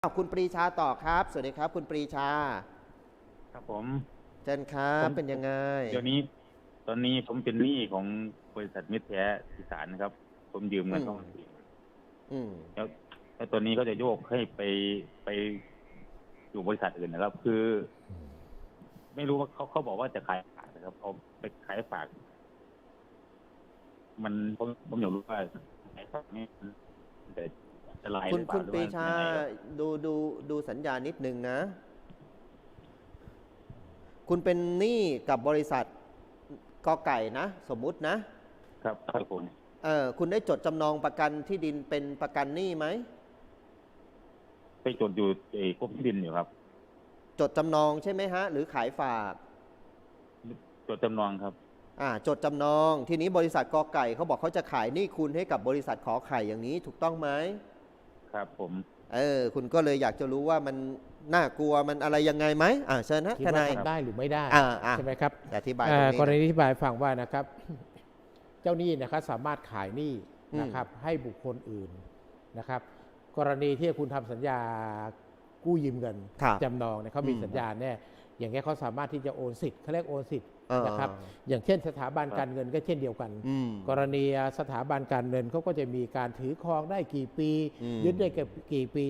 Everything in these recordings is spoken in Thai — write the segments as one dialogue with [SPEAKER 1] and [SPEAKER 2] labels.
[SPEAKER 1] คุณปรีชาต่อครับสวัสดีครับคุณปรีชา
[SPEAKER 2] ครับผม
[SPEAKER 1] เชิญครับ
[SPEAKER 2] ผม
[SPEAKER 1] เป็นยังไง
[SPEAKER 2] เดี๋ยวนี้ตอนนี้ผมเป็นหนี้ของบริษัทมิตรแท้อีสานนะครับผมยืม
[SPEAKER 1] อื
[SPEAKER 2] เงิน
[SPEAKER 1] ม
[SPEAKER 2] เขา
[SPEAKER 1] อืม
[SPEAKER 2] แล้วตอนนี้ก็จะโยกให้ไปอยู่บริษัทอื่นนะครับ คือไม่รู้ว่าเขาบอกว่าจะขายฝากนะครับเอาไปขายฝากมันผมอยากรู้ว่าขายฝากนี่มันจะอันตรายหรือเปล่า
[SPEAKER 1] คุณ
[SPEAKER 2] หรือว่า
[SPEAKER 1] ปรีชา
[SPEAKER 2] ยังไงครับ
[SPEAKER 1] ดูสัญญานิดนึงนะคุณเป็นหนี้กับบริษัทกอไก่นะสมมุตินะครับ
[SPEAKER 2] ครับผม
[SPEAKER 1] คุณได้จดจำนองประกันที่ดินเป็นประกันหนี้ไหม
[SPEAKER 2] ไปจดอยู่กรมที่ดินอยู่ครับ
[SPEAKER 1] จดจำนองใช่ไหมฮะหรือขายฝาก
[SPEAKER 2] จดจำนองครับ
[SPEAKER 1] จดจำนองทีนี้บริษัทกอไก่เขาบอกเขาจะขายหนี้คุณให้กับบริษัทขอไข่อย่างนี้ถูกต้องไหม
[SPEAKER 2] ครับผม
[SPEAKER 1] คุณก็เลยอยากจะรู้ว่ามันน่ากลัวมันอะไรยังไงไหมเชิญนะ
[SPEAKER 3] คิด
[SPEAKER 1] ทนาย
[SPEAKER 3] ว่าทำได้หรือไม่ได้ใช่ไหมครับ
[SPEAKER 1] อธิบายตรงนี้
[SPEAKER 3] กรณีอธิบายฟังว่านะครับ เจ้าหนี้นะครับสามารถขายหนี้นะครับให้บุคคลอื่นนะครับ กรณีที่คุณทำสัญญากู้ยืมเงินจำนองเนี่ยเขามีสัญญาแน่อย่างเงี้ยเขาสามารถที่จะโอนสิทธิ์เขาเรียกโอนสิทธิ์นะครับอย่างเช่นสถาบันการเงินก็เช่นเดียวกันกรณีสถาบันการเงินเขาก็จะมีการถือครองได้กี่ปียึดได้กี่ปี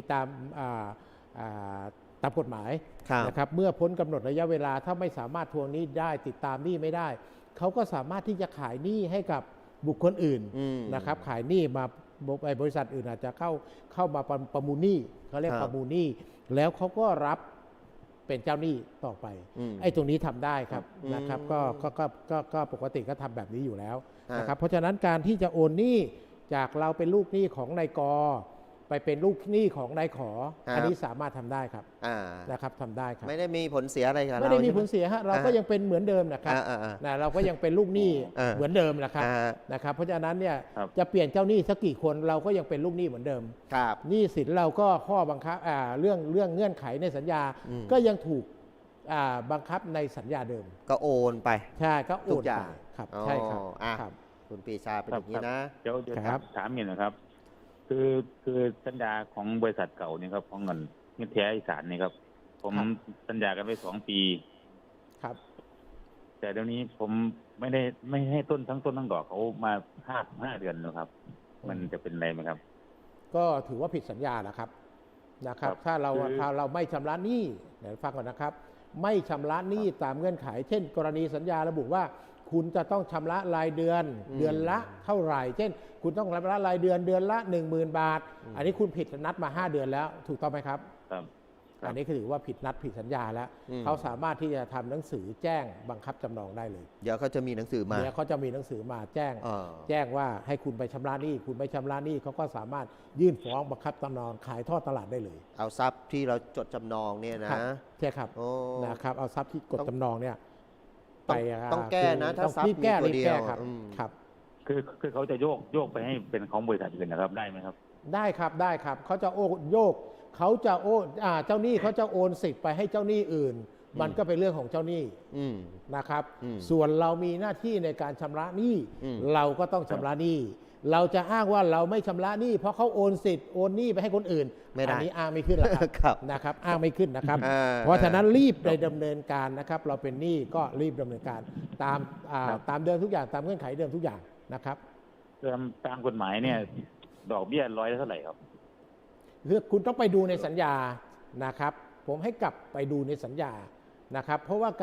[SPEAKER 3] ตามกฎหมายนะครับเมื่อพ้นกำหนดระยะเวลาถ้าไม่สามารถทวงหนี้ได้ติดตามหนี้ไม่ได้เขาก็สามารถที่จะขายหนี้ให้กับบุคคลอื่นนะครับขายหนี้มาบริษัทอื่นอาจจะเข้ามาประมูลหนี้เขาเรียกประมูลหนี้แล้วเขาก็รับเป็นเจ้าหนี้ต่อไปไอ้ตรงนี้ทำได้ครับนะครับก็ปกติก็ทำแบบนี้อยู่แล้วนะครับเพราะฉะนั้นการที่จะโอนหนี้จากเราเป็นลูกหนี้ของนายกไปเป็นลูกหนี้ของนายขออันนี้สามารถทำได้ครับนะครับทำได้ครับ
[SPEAKER 1] ไม่ได้มีผลเสียอะไรกับเรา
[SPEAKER 3] ไม่ได้มีผลเสียฮะเราก็ยังเป็นเหมือนเดิมนะครับเราก็ยังเป็นลูกหนี้เหมือนเดิมนะครับเพราะฉะนั้นเนี่ยจะเปลี่ยนเจ้าหนี้สักกี่คนเราก็ยังเป็นลูกหนี้เหมือนเดิมหนี้สินเราก็ข้อบังคับเรื่องเงื่อนไขในสัญญาก็ยังถูกบังคับในสัญญาเดิม
[SPEAKER 1] ก็โอนไป
[SPEAKER 3] ใช่ก็โอนไปครับใช่ครับ
[SPEAKER 1] คุณปรีชาเป็นอย่างนี้นะ
[SPEAKER 2] เดี๋ยวถามอย่างนะครับคือสัญญาของบริษัทเก่านี่ครับของเงินแท้อีสานนี่ครับผมสัญญากันไว้2 ปี
[SPEAKER 3] ครับ
[SPEAKER 2] แต่เดี๋ยวนี้ผมไม่ให้ต้นทั้งดอกเขามา5 เดือนนะครับมันจะเป็นไรไหมครับ
[SPEAKER 3] ก็ถือว่าผิดสัญญานะครับถ้าเราไม่ชำระหนี้เดี๋ยวฟังก่อนนะครับไม่ชำระหนี้ตามเงื่อนไขเช่น กรณีสัญญาระบุว่าคุณจะต้องชำระรายเดือนเดือนละเท่าไหร่เช่นคุณต้องชำระรายเดือนละ 10,000 บาทอันนี้คุณผิดนัดมา5 เดือนแล้วถูกต้องไหมครับอันนี้คือถือว่าผิดนัดผิดสัญญาแล้วเขาสามารถที่จะทำหนังสือแจ้งบังคับจำนองได้เลย
[SPEAKER 1] เดี๋ยวเขาจะมีหนังสือมา
[SPEAKER 3] เดี๋ยวเขาจะมีหนังสือมาแจ้งว่าให้คุณไปชำระหนี้คุณไม่ชำระหนี้เขาก็สามารถยื่นฟ้องบังคับจำนองขายทอดตลาดได้เลย
[SPEAKER 1] เอาทรัพย์ที่เราจดจำนองเนี่ยนะ
[SPEAKER 3] ใช่ครับนะครับเอาทรัพย์ที่กดจำนองเนี่ย
[SPEAKER 1] ต้องแก้นะถ้าทรัพย์มีตัวเดียว
[SPEAKER 3] ครับ
[SPEAKER 2] คือเขาจะโยกไปให้เป็นของบริษัทอื่นนะครับได้ไหมครับ
[SPEAKER 3] ได้ครับเขาจะโยกเขาจะเจ้าหนี้เขาจะโอนสิทธิ์ไปให้เจ้าหนี้อื่นมันก็เป็นเรื่องของเจ้าหนี้นะครับส่วนเรามีหน้าที่ในการชำระหนี้เราก็ต้องชำระหนี้เราจะอ้างว่าเราไม่ชำระหนี้เพราะเขาโอนสิทธิ์โอนหนี้ไปให้คนอื่นอันนี้อ้างไม่ขึ้นหรอกครับนะครับอ้างไม่ขึ้นนะครับเพราะฉะนั้นรีบดำเนินการนะครับเราเป็นหนี้ก็รีบดำเนินการตามเดิมทุกอย่างตามเงื่อนไขเดิมทุกอย่างนะครับ
[SPEAKER 2] ตามกฎหมายเนี่ยดอกเบี้ย100เท่าไหร่ครับ
[SPEAKER 3] คือคุณต้องไปดูในสัญญานะครับผมให้กลับไปดูในสัญญานะครับเพราะว่า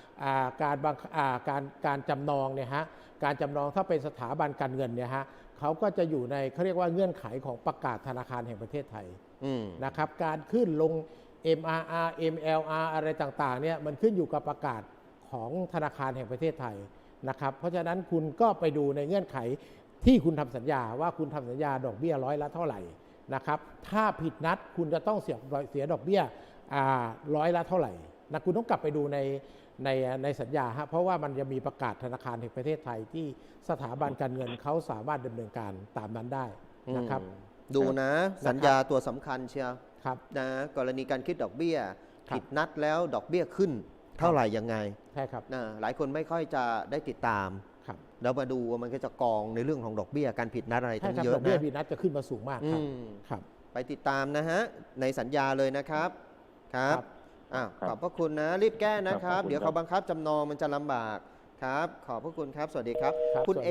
[SPEAKER 3] การจำนองเนี่ยฮะการจำนองถ้าเป็นสถาบันการเงินเนี่ยฮะเขาก็จะอยู่ในเขาเรียกว่าเงื่อนไขของประกาศธนาคารแห่งประเทศไทยนะครับการขึ้นลง MRR MLR อะไรต่างๆเนี่ยมันขึ้นอยู่กับประกาศของธนาคารแห่งประเทศไทยนะครับเพราะฉะนั้นคุณก็ไปดูในเงื่อนไขที่คุณทำสัญญาว่าคุณทำสัญญาดอกเบี้ย100 ละเท่าไหร่นะครับถ้าผิดนัดคุณจะต้องเสียดอกเบี้ย100 ละเท่าไหร่นะคุณต้องกลับไปดูในสัญญาฮะเพราะว่ามันจะมีประกาศธนาคารแห่งประเทศไทยที่สถาบันการเงินเขาสามารถดำเนินการตามนั้นได้นะครับ
[SPEAKER 1] ดูนะสัญญาตัวสำคัญเชียว
[SPEAKER 3] ครับ
[SPEAKER 1] นะกรณีการคิดดอกเบี้ยผิดนัดแล้วดอกเบี้ยขึ้นเท่าไหร่ยังไง
[SPEAKER 3] ใช่ครับ
[SPEAKER 1] หลายคนไม่ค่อยจะได้ติดตามแล้วมาดูว่ามันก็จะกองในเรื่องของดอกเบี้ยการผิดนัดอะไรทั้งเยอะนะ
[SPEAKER 3] ดอกเบี้ยผิดนัดจะขึ้นมาสูงมากครับ
[SPEAKER 1] ไปติดตามนะฮะในสัญญาเลยนะครับครับอ้าวขอบพระคุณนะรีบแก้นะครับ เดี๋ยวเขาบังคับจำนองมันจะลำบากครับขอบพระคุณครับสวัสดีครับ
[SPEAKER 3] ครับ
[SPEAKER 1] คุณ